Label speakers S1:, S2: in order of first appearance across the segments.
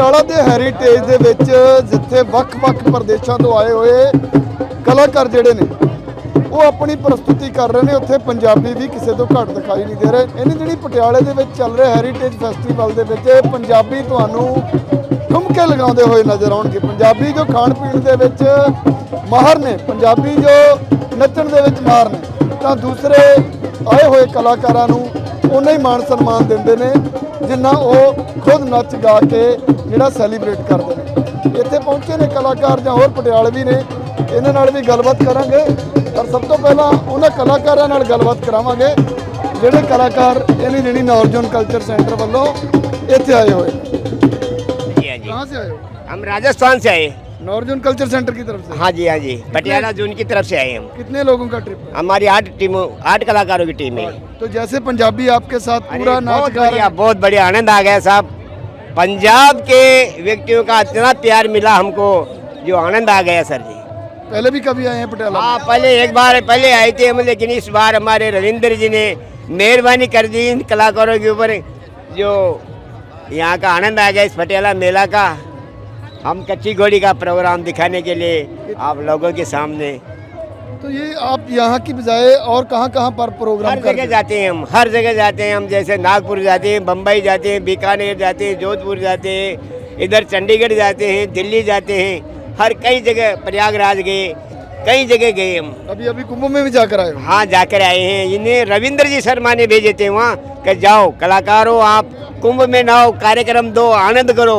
S1: ਪਟਿਆਲਾ ਦੇ ਹੈਰੀਟੇਜ ਦੇ ਵਿੱਚ ਜਿੱਥੇ ਵੱਖ-ਵੱਖ ਪ੍ਰਦੇਸ਼ਾਂ ਤੋਂ ਆਏ ਹੋਏ ਕਲਾਕਾਰ ਜਿਹੜੇ ਨੇ ਉਹ ਆਪਣੀ ਪ੍ਰਸਤੁਤੀ ਕਰ ਰਹੇ ਨੇ, ਉੱਥੇ ਪੰਜਾਬੀ ਵੀ ਕਿਸੇ ਤੋਂ ਘੱਟ ਦਿਖਾਈ ਨਹੀਂ ਦੇ ਰਹੇ। ਇਹਨੀ ਜਿਹੜੀ ਪਟਿਆਲੇ ਦੇ ਵਿੱਚ ਚੱਲ ਰਿਹਾ ਹੈਰੀਟੇਜ ਫੈਸਟੀਵਲ ਦੇ ਵਿੱਚ ਪੰਜਾਬੀ ਤੁਹਾਨੂੰ ਠੁਮਕੇ ਲਗਾਉਂਦੇ ਹੋਏ ਨਜ਼ਰ ਆਉਣਗੇ। ਪੰਜਾਬੀ ਜੋ ਖਾਣ ਪੀਣ ਦੇ ਵਿੱਚ ਮਾਹਰ ਨੇ, ਪੰਜਾਬੀ ਜੋ ਨੱਚਣ ਦੇ ਵਿੱਚ ਮਾਹਰ ਨੇ, ਤਾਂ ਦੂਸਰੇ ਆਏ ਹੋਏ ਕਲਾਕਾਰਾਂ ਨੂੰ ਉਨਾ ਹੀ ਮਾਣ ਸਨਮਾਨ ਦਿੰਦੇ ਨੇ ਜਿੰਨਾ ਉਹ ਖੁਦ ਨੱਚ ਗਾ ਕੇ ਜਿਹੜਾ ਸੈਲੀਬ੍ਰੇਟ ਕਰਦੇ ਨੇ। ਇੱਥੇ ਪਹੁੰਚੇ ਨੇ ਕਲਾਕਾਰ ਜਾਂ ਹੋਰ ਪਟਿਆਲਵੀ ਨੇ, ਇਹਨਾਂ ਨਾਲ ਵੀ ਗੱਲਬਾਤ ਕਰਾਂਗੇ। ਪਰ ਸਭ ਤੋਂ ਪਹਿਲਾਂ ਉਹਨਾਂ ਕਲਾਕਾਰਾਂ ਨਾਲ ਗੱਲਬਾਤ ਕਰਾਵਾਂਗੇ ਜਿਹੜੇ ਕਲਾਕਾਰ ਇਹਨੀ ਜਿਹੜੀ ਨੌਰਜਨ ਕल्चर सेंटर ਵੱਲੋਂ ਇੱਥੇ ਆਏ ਹੋਏ। कहाँ से आए हो?
S2: हम राजस्थान से आए।
S1: नॉर्जन कल्चर सेंटर की तरफ से?
S2: हाँ जी, हाँ जी, पटियाला जोन की तरफ से आए हम।
S1: कितने लोगों का ट्रिप है?
S2: हमारी 8 कलाकारों की टीम है।
S1: तो जैसे पंजाबी आपके साथ पूरा नाच
S2: बहुत
S1: गा रहे
S2: बढ़िया,
S1: हैं।
S2: बहुत बढ़िया, आनंद आ गया साहब। पंजाब के व्यक्तियों का इतना प्यार मिला हमको, जो आनंद आ गया सर जी।
S1: पहले भी कभी आए हैं पटियाला?
S2: हाँ, पहले एक बार पहले आए थे हम, लेकिन इस बार हमारे रविंद्र जी ने मेहरबानी कर दी इन कलाकारों के ऊपर, जो यहाँ का आनंद आ गया इस पटियाला मेला का। हम कच्ची घोड़ी का प्रोग्राम दिखाने के लिए आप लोगों के सामने।
S1: तो ये आप यहाँ की बजाय और कहाँ पर प्रोग्राम
S2: हर जगह जाते हैं हम, हर जगह जाते हैं हम। जैसे नागपुर जाते हैं, बम्बई जाते हैं, बीकानेर जाते हैं, जोधपुर जाते हैं, इधर चंडीगढ़ जाते हैं, दिल्ली जाते हैं, हर कई जगह, प्रयागराज गए, कई जगह गए हम।
S1: अभी कुंभ में भी जाकर आए हो?
S2: हाँ, जाकर आए हैं। इन्हें रविंद्र जी शर्मा ने भेजे थे वहाँ कि जाओ कलाकारों, आप कुंभ में ना हो, कार्यक्रम दो, आनंद करो,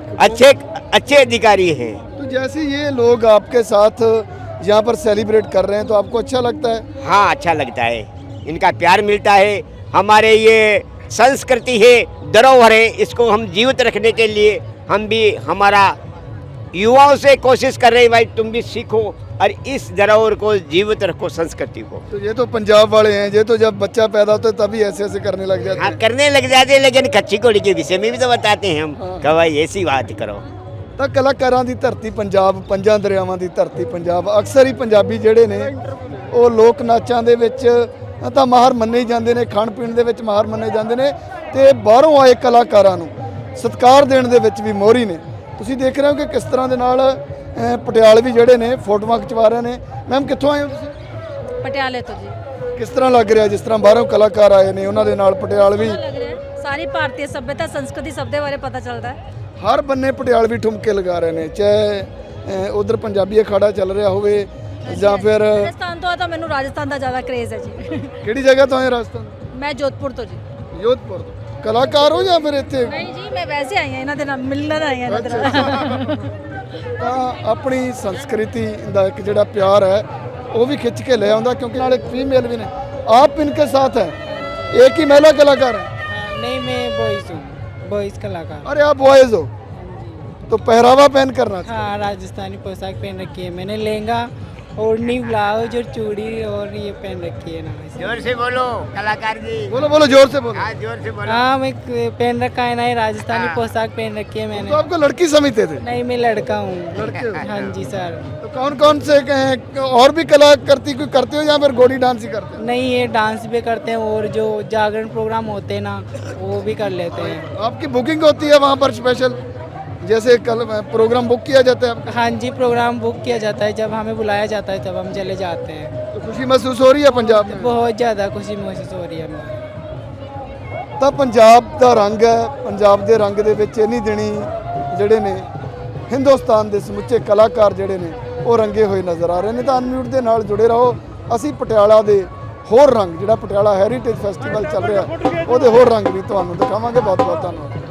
S2: अच्छे अधिकारी हैं।
S1: तो जैसे ये लोग आपके साथ यहाँ पर सेलिब्रेट कर रहे हैं तो आपको अच्छा लगता है?
S2: हाँ, अच्छा लगता है, इनका प्यार मिलता है। हमारे ये संस्कृति है, धरोहर है, इसको हम जीवित रखने के लिए हम भी हमारा युवाओं से कोशिश कर रहे हैं, भाई तुम भी सीखो और इस धरोहर को जीवित रखो, संस्कृति को।
S1: तो ये तो पंजाब वाले हैं, ये तो जब बच्चा पैदा होता है तभी ऐसे ऐसे करने लग जाते
S2: हाँ,
S1: हैं।
S2: करने लग जाते हैं, लेकिन कच्ची घोड़ी के विषय में भी तो बताते हैं हम कि भाई ऐसी बात करो।
S1: ਤਾਂ ਕਲਾਕਾਰਾਂ ਦੀ ਧਰਤੀ ਪੰਜਾਬ, ਪੰਜਾਂ ਦਰਿਆਵਾਂ ਦੀ ਧਰਤੀ ਪੰਜਾਬ, ਅਕਸਰ ਹੀ ਪੰਜਾਬੀ ਜਿਹੜੇ ਨੇ ਉਹ ਲੋਕ ਨਾਚਾਂ ਦੇ ਵਿੱਚ ਤਾਂ ਮਾਹਰ ਮੰਨੇ ਹੀ ਜਾਂਦੇ ਨੇ, ਖਾਣ ਪੀਣ ਦੇ ਵਿੱਚ ਮਾਹਰ ਮੰਨੇ ਜਾਂਦੇ ਨੇ ਤੇ ਬਾਹਰੋਂ ਆਏ ਕਲਾਕਾਰਾਂ ਨੂੰ ਸਤਿਕਾਰ ਦੇਣ ਦੇ ਵਿੱਚ ਵੀ ਮੋਹਰੀ ਨੇ। ਤੁਸੀਂ ਦੇਖ ਰਹੇ ਹੋ ਕਿ ਕਿਸ ਤਰ੍ਹਾਂ ਦੇ ਨਾਲ ਪਟਿਆਲਵੀ ਜਿਹੜੇ ਨੇ ਫੋਟੋਆਂ ਖਿਚਵਾ ਰਹੇ ਨੇ। ਮੈਮ ਕਿੱਥੋਂ ਆਏ ਹੋ ਤੁਸੀਂ?
S3: ਪਟਿਆਲੇ ਤੋਂ ਜੀ।
S1: ਕਿਸ ਤਰ੍ਹਾਂ ਲੱਗ ਰਿਹਾ ਜਿਸ ਤਰ੍ਹਾਂ ਬਾਹਰੋਂ ਕਲਾਕਾਰ ਆਏ ਨੇ ਉਹਨਾਂ ਦੇ ਨਾਲ ਪਟਿਆਲਵੀ?
S3: ਲੱਗ ਰਿਹਾ ਸਾਰੀ ਭਾਰਤੀ ਸੱਭਿਅਤਾ ਸੰਸਕ੍ਰਿਤੀ ਸਭ ਦੇ ਬਾਰੇ ਪਤਾ ਚੱਲਦਾ ਹੈ।
S1: ਹਰ ਬੰਨੇ ਪਟਿਆਲਵੀ ਠੁਮਕੇ ਲਗਾ ਰਹੇ ਨੇ, ਚਾਹੇ ਉਧਰ ਪੰਜਾਬੀ ਅਖਾੜਾ ਚੱਲ ਰਿਹਾ ਹੋਵੇ ਜਾਂ ਫਿਰ
S3: ਰਾਜਸਥਾਨ ਤੋਂ ਆ ਤਾਂ ਮੈਨੂੰ ਰਾਜਸਥਾਨ ਦਾ ਜ਼ਿਆਦਾ ਕ੍ਰੇਜ਼ ਹੈ ਜੀ।
S1: ਕਿਹੜੀ ਜਗ੍ਹਾ ਤੋਂ ਆਏ ਰਾਜਸਥਾਨ?
S3: ਮੈਂ ਜੋਧਪੁਰ ਤੋਂ ਜੀ।
S1: ਜੋਧਪੁਰ ਤੋਂ। ਕਲਾਕਾਰ ਹੋ ਜਾਂ ਫਿਰ ਇੱਥੇ?
S3: ਨਹੀਂ ਜੀ, ਮੈਂ ਵੈਸੇ ਆਈ ਹਾਂ, ਇਹਨਾਂ ਦੇ ਨਾਲ ਮਿਲਣ ਆਈ ਹਾਂ ਇਹਨਾਂ ਦੇ ਨਾਲ।
S1: ਤਾਂ ਆਪਣੀ ਸੰਸਕ੍ਰਿਤੀ ਦਾ ਇੱਕ ਜਿਹੜਾ ਪਿਆਰ ਹੈ ਉਹ ਵੀ ਖਿੱਚ ਕੇ ਲੈ ਆਉਂਦਾ, क्योंकि ਨਾਲ एक फीमेल भी ने। आप इनके साथ हैं, एक ही महिला कलाकार है?
S4: नहीं, मैं बॉयज हूँ, बॉयज कलाकार।
S1: अरे आप बॉयज हो तो पहरावा पहन करना चाहिए।
S4: हाँ, राजस्थानी पोशाक पहन रखी है मैंने, लहंगा, ओढ़नी, ब्लाउज और चूड़ी और ये पहन रखी है ना।
S2: जोर से बोलो कलाकार जी।
S1: बोलो बोलो जोर से बोलो।
S2: हाँ, जोर से बोलो।
S4: हाँ, मैं पहन रखा है ना, ये राजस्थानी
S2: हाँ।
S4: पोशाक पहन रखी है
S1: तो
S4: मैंने।
S1: आपको लड़की समझते थे?
S4: नहीं, मैं लड़का हूँ।
S1: लड़के हो?
S4: हाँ जी सर।
S1: तो कौन कौन से और भी कला करती कोई करते हो या फिर घोड़ी डांस ही करते हो?
S4: नहीं, ये डांस भी करते हैं और जो जागरण प्रोग्राम होते हैं ना वो भी कर लेते हैं।
S1: आपकी बुकिंग होती है वहाँ पर स्पेशल, जैसे कल प्रोग्राम बुक किया जाता है आपका?
S4: हाँ जी, प्रोग्राम बुक किया जाता है, जब हमें बुलाया जाता है तब हम चले जाते हैं।
S1: तो खुशी महसूस हो रही है पंजाब में?
S4: बहुत ज़्यादा खुशी महसूस हो रही है हमें।
S1: ਤਾਂ ਪੰਜਾਬ ਦਾ ਰੰਗ ਹੈ, ਪੰਜਾਬ ਦੇ ਰੰਗ ਦੇ ਵਿੱਚ ਇੰਨੀ ਦਿਨੀ ਜਿਹੜੇ ਨੇ ਹਿੰਦੁਸਤਾਨ ਦੇ ਸਮੁੱਚੇ ਕਲਾਕਾਰ ਜਿਹੜੇ ਨੇ ਉਹ ਰੰਗੇ ਹੋਏ ਨਜ਼ਰ ਆ ਰਹੇ ਨੇ। ਤਾਂ ਅਨਮਿਊਟ ਦੇ ਨਾਲ ਜੁੜੇ ਰਹੋ। ਅਸੀਂ ਪਟਿਆਲਾ ਦੇ ਹੋਰ ਰੰਗ, ਜਿਹੜਾ ਪਟਿਆਲਾ ਹੈਰੀਟੇਜ ਫੈਸਟੀਵਲ ਚੱਲ ਰਿਹਾ ਉਹਦੇ ਹੋਰ ਰੰਗ ਵੀ ਤੁਹਾਨੂੰ ਦਿਖਾਵਾਂਗੇ। ਬਹੁਤ ਬਹੁਤ ਧੰਨਵਾਦ।